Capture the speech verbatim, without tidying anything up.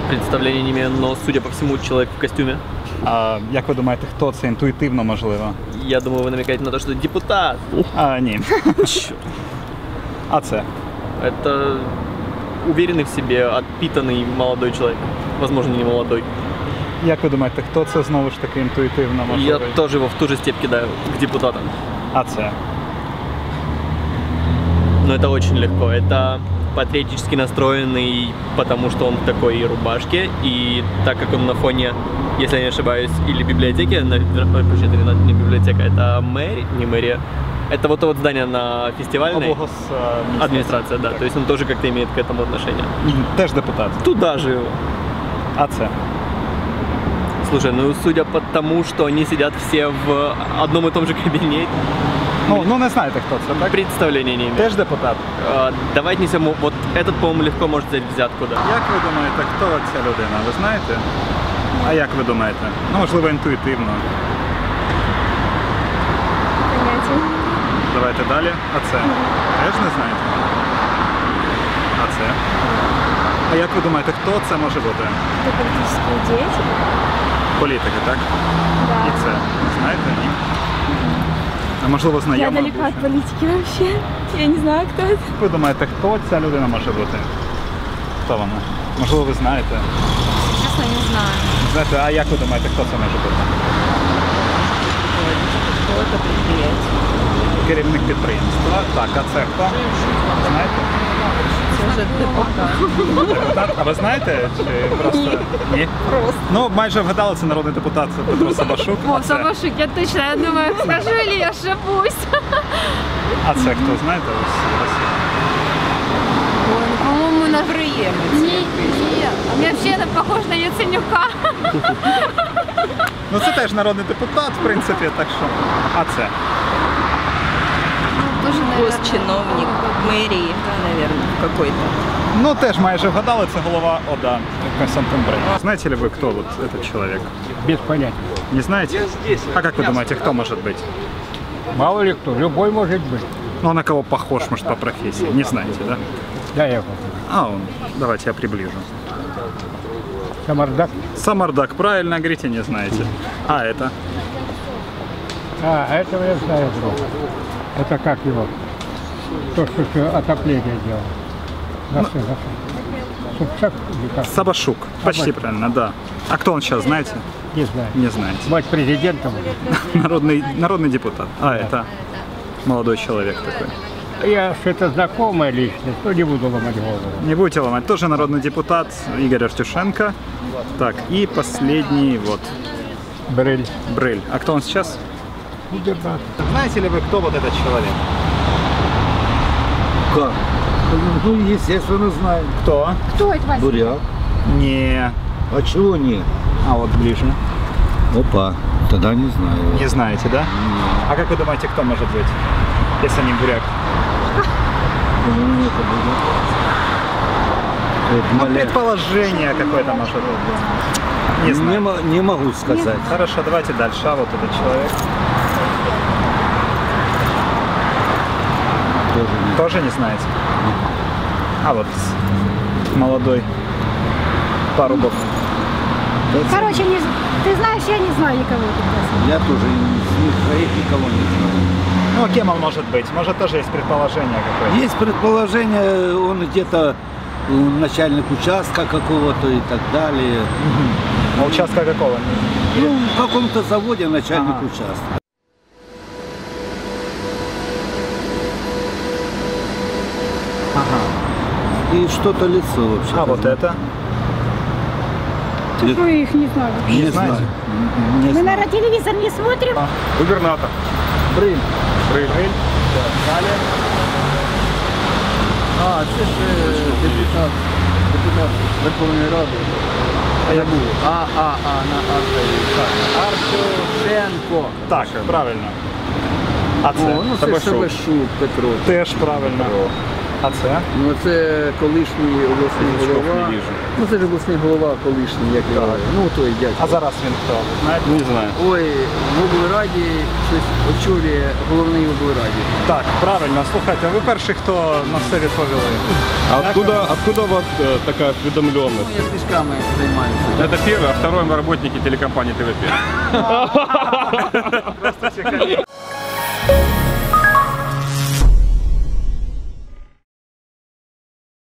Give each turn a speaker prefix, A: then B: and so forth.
A: Представлення не имею, но, судя по всему, человек в костюме.
B: А як ви думаєте, хто це інтуїтивно можливо?
A: Я думаю, вы намекаете на то, что депутат.
B: А, ні.
A: Черт.
B: А це?
A: Это уверенный в себе, отпитанный молодой человек. Возможно, не молодой.
B: Як ви думаєте, хто це знову ж таки інтуїтивно можливо?
A: Я тоже его в ту же степь кидаю, к депутатам.
B: А це?
A: Но это очень легко. Это патриотически настроенный, потому что он в такой рубашке. И так как он на фоне, если я не ошибаюсь, или библиотеки, на, это не библиотека, это мэрия, не мэрия. Это вот то вот здание на фестивальной.
B: Облгос, а,
A: администрация, да. То есть он тоже как-то имеет к этому отношение.
B: Теж депутат.
A: Туда же его.
B: А це?
A: Слушай, ну судя по тому, что они сидят все в одном и том же кабинете,
B: Ну, ну не знаєте, хто це, так?
A: представления не имею.
B: Теж депутат.
A: А, давайте несем, вот этот, по-моему, легко может взять взятку, да.
B: Як ви думаєте, хто ця людина? Ви знаєте? А як ви думаєте? Ну, можливо, інтуїтивно.
C: Понятия.
B: Давайте далі. А це? Теж не знаєте? А це? А як ви думаєте, хто це може бути?
C: Это политические деятели?
B: Політики, так?
C: Да.
B: І це? Знаєте? Ні? А можливо,
C: Я
B: знайома?
C: далека от политики вообще. Я не знаю, кто это.
B: Ви думаєте, хто ця людина може бути? Хто вона? Можливо, ви знаєте?
C: Честно, не знаю.
B: Знаєте, а як ви думаєте, хто це може бути?
D: Какое-то предприятие.
B: Керівник підприємства. Так, а це хто? Знаєте?
D: Может, депутат.
B: Депутат? А ви знаєте? Чи просто? Ні.
C: Просто.
B: Ну, майже вгадали, це народний депутат Петро Сабашук.
C: О,
B: А це,
C: Сабашук, я точно, я думаю, скажу или я ошибусь.
B: а це хто, знаєте? Ось в Росії.
D: Ой, ну, по-моему, на
C: Не, не. Мне вообще это похож на Яценюка.
B: Ну, це теж народний депутат, в принципі, так що. А це?
C: Тоже, наверное.
D: госчиновник мэрии, наверное, какой-то.
B: Ну, теж майже вгадали, це голова ОДА Константин Бриль. Знаете ли вы, кто вот этот человек?
E: Без понятия.
B: Не знаете? А как вы думаете, кто может быть?
E: Мало ли кто, любой может быть.
B: Ну, на кого похож, может, по профессии? Не знаете, да?
E: Да, я попробую.
B: А он. Давайте я приближу.
E: Самардак.
B: Самардак, правильно говорите, не знаете. А это?
E: А, этого я знаю, друг. Это как его? То, что еще отопление делал. Наши, наши. Собчак или как?
B: Сабашук. Почти правильно, да. А кто он сейчас, знаете?
E: Не знаю.
B: Не знаете.
E: Мать президента будет.
B: Народный, народный депутат. А это? Молодой человек такой.
E: Я что-то знакомая личность, но не буду ломать голову.
B: Не будете ломать. Тоже народный депутат Игорь Артюшенко. Так, и последний вот
E: Брель.
B: Брыль. А кто он сейчас?
E: Губернатор.
B: Знаете ли вы, кто вот этот человек?
F: Как? Ну, естественно, знаю.
B: Кто?
C: Кто это, Вася?
F: Буряк.
B: Не.
F: А чего нет?
B: А вот ближе.
F: Опа, тогда не знаю.
B: Не знаете, да? А как вы думаете, кто может быть, если не буряк?
F: Ну, это будет. Это
B: Ну,
F: маля-
B: предположение какое-то может быть. Не
F: Не,
B: знаю.
F: мо- не могу сказать.
B: Хорошо, давайте дальше. А вот этот человек.
F: Тоже не.
B: Тоже не знаете? А вот молодой парубок.
C: Короче, не... ты знаешь, я не знаю никого.
F: Я тоже из них своих никого не знаю.
B: Ну, а кем он может быть? Может, тоже есть предположение какое-то?
F: Есть предположение, он где-то э, начальник участка какого-то и так далее.
B: А участка какого?
F: Ну, в каком-то заводе начальник
B: Ага.
F: участка.
B: Ага.
F: И что-то лицо вообще.
B: А вот это?
C: Мы их не знаю.
F: Не,
B: Не
F: знаю.
B: знаете?
F: Не
C: Мы,
F: знаю.
C: наверное, телевизор не смотрим.
B: Губернатор.
F: Брыль.
B: Брыль. Далее.
G: А, це ж е, депутат, депутат Верховної Ради.
B: А я був.
G: А, а, а, на Артюшенко.
B: Так, правильно. А це?
G: О, ну це Сабашук Петро.
B: Теж правильно. А це?
G: Ну це колишній обласний голова. Ну це ж обласний голова колишній, як його. Ну той дядько.
B: А зараз він хто? Ви знаєте?
H: Не знаю.
G: Ой, в облраді щось очолює головний облраді.
B: Так, правильно, слухайте, ви перший, хто на все відповіли.
H: А откуда, откуда у вас э, такая
G: Ну
H: осведомленность?
G: я книжками займаюся.
H: Это первый, а второй мы работники телекомпании ТВ пять.
B: Просто цікаві.